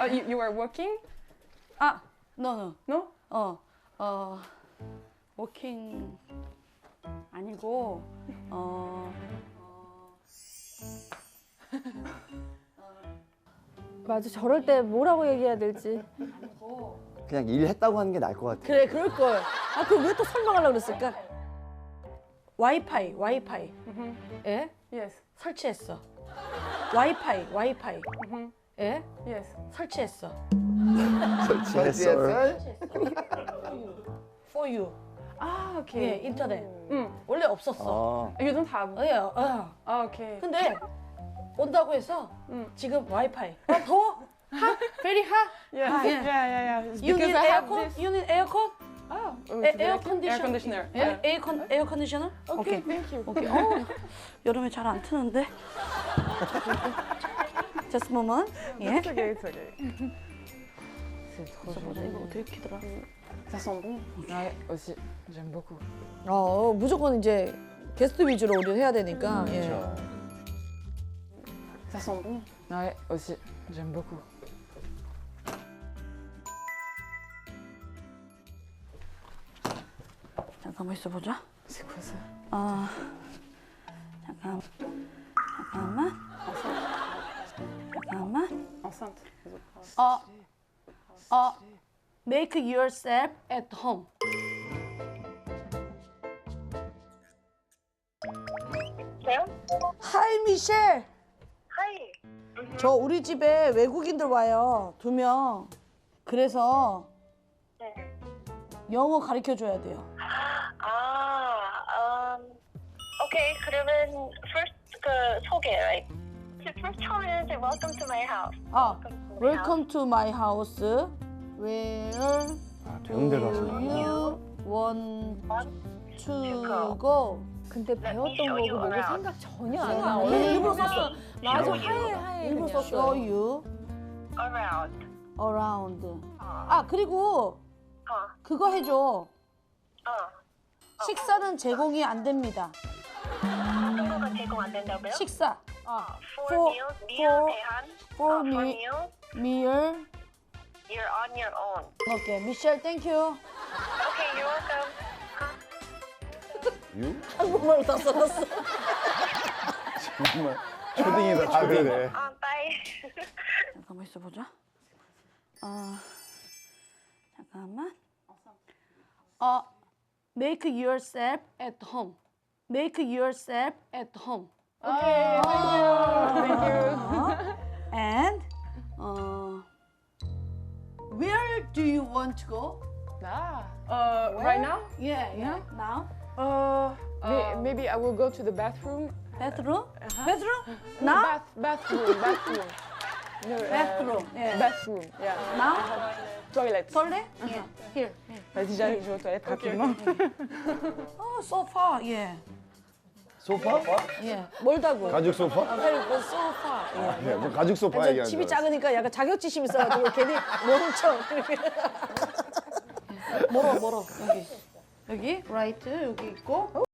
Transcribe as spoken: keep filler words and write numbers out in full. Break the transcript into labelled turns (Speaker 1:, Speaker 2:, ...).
Speaker 1: Uh, you, you are working?
Speaker 2: 아, no, no.
Speaker 1: No?
Speaker 2: 어, 어, 워킹 아니고, 어,
Speaker 3: 맞아, 저럴 때 뭐라고 얘기해야 될지.
Speaker 4: 그냥 일했다고 하는 게 나을 것 같아.
Speaker 2: 그래, 그럴 걸. 아, 그걸 왜 또 설명하려고 그랬을까? 와이파이, 와이파이. 예?
Speaker 1: Yes.
Speaker 2: 설치했어. 와이파이, 와이파이. 예?
Speaker 1: Yes.
Speaker 2: 설치했어.
Speaker 4: 설치했어.
Speaker 2: For you.
Speaker 1: Ah,
Speaker 2: 예,
Speaker 1: okay.
Speaker 2: 인터넷.
Speaker 1: Mm.
Speaker 2: 원래 없었어.
Speaker 4: 아,
Speaker 1: You don't have.
Speaker 2: 어, 예, 어.
Speaker 1: Ah, okay.
Speaker 2: 근데 온다고 해서
Speaker 1: 음.
Speaker 2: 지금 와이파이. 아, 더워? 하? Very hot?
Speaker 1: Yes.
Speaker 2: Ah,
Speaker 1: yeah,
Speaker 2: yeah.
Speaker 1: yeah, yeah. It's
Speaker 2: You
Speaker 1: because
Speaker 2: need
Speaker 1: I have
Speaker 2: aircon?
Speaker 1: this.
Speaker 2: You need aircon?
Speaker 1: Oh, oh
Speaker 2: 에,
Speaker 1: it's
Speaker 2: 에어
Speaker 1: like
Speaker 2: 컨디션.
Speaker 1: air conditioner.
Speaker 2: 예?
Speaker 1: Yeah.
Speaker 2: 에어 컨 에어 컨디셔너?
Speaker 1: Okay, thank you.
Speaker 2: 오케이. 어, 여름에 잘 안 트는데. Just a moment. 예.
Speaker 1: It's okay, it's okay. C'est trop
Speaker 2: 보자, 이거 어떻게 키더라?
Speaker 1: Ça sent bon. Ouais, aussi. J'aime beaucoup.
Speaker 2: 어, 무조건 이제 게스트 위주로 우리를 해야 되니까. 예.
Speaker 4: 그렇죠.
Speaker 1: Ça sent bon. Ouais, aussi. J'aime beaucoup.
Speaker 2: 잠깐만 있어 보자.
Speaker 1: C'est quoi ça?
Speaker 2: 아, 잠깐, 잠깐만, 잠깐만.
Speaker 1: Enceinte.
Speaker 2: 어, 어, make yourself at home.
Speaker 5: Hello?
Speaker 2: Hi, 미셸.
Speaker 5: Hi.
Speaker 2: 저 우리 집에 외국인들 와요. 두 명. 그래서
Speaker 5: 네.
Speaker 2: 영어 가르쳐 줘야 돼요.
Speaker 5: 아, um, 오케이. 그러면 first 그 소개, right? First 처음에는 이제 welcome to my house.
Speaker 2: 아,
Speaker 5: Welcome to my
Speaker 2: welcome to my house. Where
Speaker 4: 아, 배운 대로
Speaker 2: do
Speaker 4: 하시는구나.
Speaker 2: you want
Speaker 5: house.
Speaker 2: to go?
Speaker 3: 근데 배웠던
Speaker 5: show you
Speaker 3: 거고 뭐고
Speaker 5: around.
Speaker 3: 생각 전혀 안
Speaker 2: 생각 안
Speaker 3: 나.
Speaker 2: 해.
Speaker 3: 일부러 썼어. 맞아,
Speaker 5: Show you.
Speaker 3: 하얘 하얘.
Speaker 2: 일부러
Speaker 3: 그냥.
Speaker 2: 썼어요. Show you
Speaker 5: Around.
Speaker 2: around.
Speaker 5: 어.
Speaker 2: 아, 그리고
Speaker 5: 어.
Speaker 2: 그거 해줘.
Speaker 5: 어.
Speaker 2: 식사는 제공이 안 됩니다.
Speaker 5: 어떤 거가 제공 안 된다고요?
Speaker 2: 식사. 아,
Speaker 5: For,
Speaker 2: for-
Speaker 5: meals, meal
Speaker 2: for-
Speaker 5: 대한.
Speaker 2: for
Speaker 5: 어, for
Speaker 2: me-
Speaker 5: meals,
Speaker 2: meal.
Speaker 5: you're on your own.
Speaker 2: 오케이, 미셸 땡큐.
Speaker 5: Okay, you're welcome.
Speaker 4: 유?
Speaker 2: 한국말로 다 써놨어.
Speaker 4: 정말 초딩이다, 초딩.
Speaker 5: 아, bye.
Speaker 2: 잠깐만 있어보자. 어, 잠깐만. 어, make yourself at home. Make yourself at home.
Speaker 1: Okay, thank you. Thank you.
Speaker 2: 어, and 어, where do you want to go?
Speaker 1: Ah. Uh, right now?
Speaker 2: Yeah, yeah. Now,
Speaker 1: Uh, may- maybe I will go to the bathroom.
Speaker 2: bathroom. Bathroom?
Speaker 1: No,
Speaker 2: Now,
Speaker 1: bath, bathroom, bathroom. No, uh,
Speaker 2: bathroom. Yeah.
Speaker 1: Bathroom, yeah.
Speaker 2: Now,
Speaker 1: Toilette.
Speaker 2: toilet. Yeah. Here. here.
Speaker 1: Vas-y, j'arrive, je vais aux toilettes rapidement.
Speaker 2: Oh, so far. Yeah.
Speaker 4: 소파?
Speaker 2: Yeah. 멀다고.
Speaker 4: 가죽 소파?
Speaker 2: 아, very good. So far. Yeah.
Speaker 4: 네, 뭐 가죽 소파
Speaker 2: 저
Speaker 4: 얘기하는
Speaker 2: 집이
Speaker 4: 줄 알았어.
Speaker 2: 작으니까 약간 자격지심 있어가지고 괜히 멍청 이렇게. 멀어 멀어 여기 여기 라이트 여기 있고